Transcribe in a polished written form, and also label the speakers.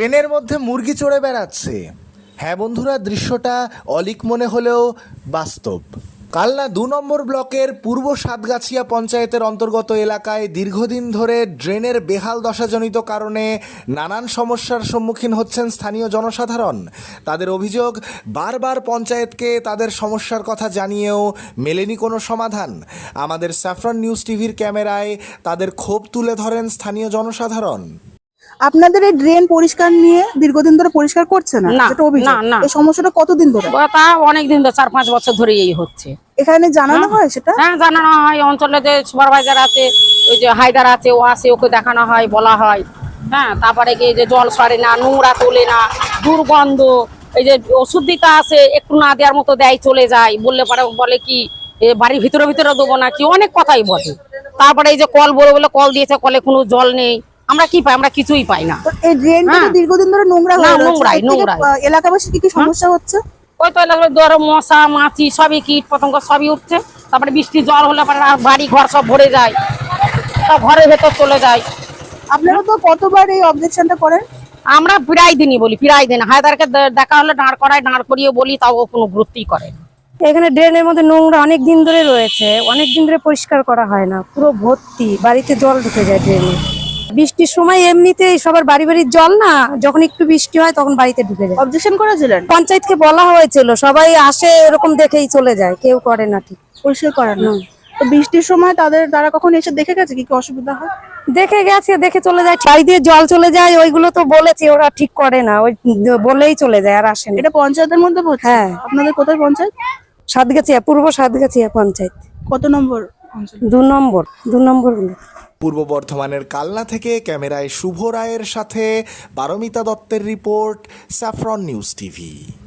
Speaker 1: ড্রেনের মধ্যে মুরগি চড়ে বেড়াচ্ছে। হ্যাঁ বন্ধুরা, দৃশ্যটা অলিক মনে হলেও বাস্তব। কালনা ২ নম্বর ব্লকের পূর্ব সাতগাছিয়া পঞ্চায়েতের অন্তর্গত এলাকায় দীর্ঘদিন ধরে ড্রেনের বেহাল দশাজনিত কারণে নানান সমস্যার সম্মুখীন হচ্ছেন স্থানীয় জনসাধারণ। তাদের অভিযোগ, বারবার পঞ্চায়েতকে তাদের সমস্যার কথা জানিয়েও মেলেনি কোনো সমাধান। আমাদের স্যাফরন নিউজ টিভির ক্যামেরায় তাদের ক্ষোভ তুলে ধরেন স্থানীয় জনসাধারণ।
Speaker 2: আপনাদের এই ড্রেন পরিষ্কার নিয়ে দীর্ঘদিন ধরে পরিষ্কার করছে না, যেটা অভিযোগ। এই সমস্যাটা কতদিন ধরে?
Speaker 3: তা অনেক দিন ধরে, 4-5 বছর ধরে এই হচ্ছে।
Speaker 2: এখানে জানানো হয় সেটা?
Speaker 3: হ্যাঁ, জানানো হয়। অঞ্চলে যে সুপারভাইজার আছে, ওই যে হায়দার আছে, ও আসে, ওকে দেখানো হয়, বলা হয়। হ্যাঁ, তারপরে কি যে জল সরে না, নোংরা তোলে না, দুর্গন্ধ, এই যে ওষুধ দিতে আসে, একটু না দেওয়ার মতো দেয়, চলে যায়। বললে পরে বলে কি বাড়ির ভিতরে ভিতরে দেবো না, কি অনেক কথাই বলে। তারপরে এই যে কল বলে বলে কল দিয়েছে, কলে কোনো জল নেই। আমরা কি পাই? আমরা কিছুই পাই না।
Speaker 2: এই ড্রেনটা দীর্ঘদিন ধরে নোংরা হয়ে রয়েছে।
Speaker 3: নোংরাই নোংরাই।
Speaker 2: এলাকাবাসীর কি সমস্যা হচ্ছে?
Speaker 3: ওই তো এলাকায় ধরো মশা মাছি সবই, কীট পতঙ্গ সবই উঠছে। তারপরে বৃষ্টি জল হলে পরে বাড়ি ঘর সব ভরে যায়, সব ঘরের ভেতর চলে যায়।
Speaker 2: আপনারা তো কতবার এই অবজেকশনটা করেন?
Speaker 3: আমরা প্রায় দিনই বলি, প্রায় দিন হায়দারকে দেখা হলে দাঁড় করায়, দাঁড় করিয়ে বলি, তাও কোনো গুরুত্বই করে না।
Speaker 4: এখানে ড্রেনের মধ্যে নোংরা অনেক দিন ধরে রয়েছে, অনেক দিন ধরে পরিষ্কার করা হয় না, পুরো ভর্তি, বাড়িতে জল ঢুকে যায় ড্রেনে। বৃষ্টির সময় এমনিতেই সবার বাড়ি বাড়ির জল না, যখন একটু বৃষ্টি হয় তখন বাড়িতে ঢুকে যায়।
Speaker 2: অবজেকশন করেছিলেন?
Speaker 4: পঞ্চায়েতকে বলা হয়েছিল, সবাই আসে এরকম দেখেই চলে যায়, কেউ করে না ঠিক
Speaker 2: পরিষ্কার করেন না। তো বৃষ্টির সময় তারা কখন এসে দেখে গেছে কি কি অসুবিধা হয়?
Speaker 4: দেখে গেছে, দেখে চলে যায়, বাড়ি দিয়ে জল চলে যায়, ওইগুলো তো বলেছে, ওরা ঠিক করে না, ওই বলেই চলে যায়, আর আসে না।
Speaker 2: এটা পঞ্চায়েতের মধ্যে পড়ছে?
Speaker 4: হ্যাঁ।
Speaker 2: আপনাদের কোথায় পঞ্চায়েত?
Speaker 4: সাতগাছিয়া, পূর্ব সাতগাছিয়া পঞ্চায়েত।
Speaker 2: কত নম্বর অঞ্চল?
Speaker 4: 2 নম্বর, 2 নম্বর।
Speaker 1: পূর্ব বর্ধমানের কালনা থেকে ক্যামেরায় শুভ রায়ের সাথে পারমিতা দত্তের রিপোর্ট, স্যাফরন নিউজ টিভি।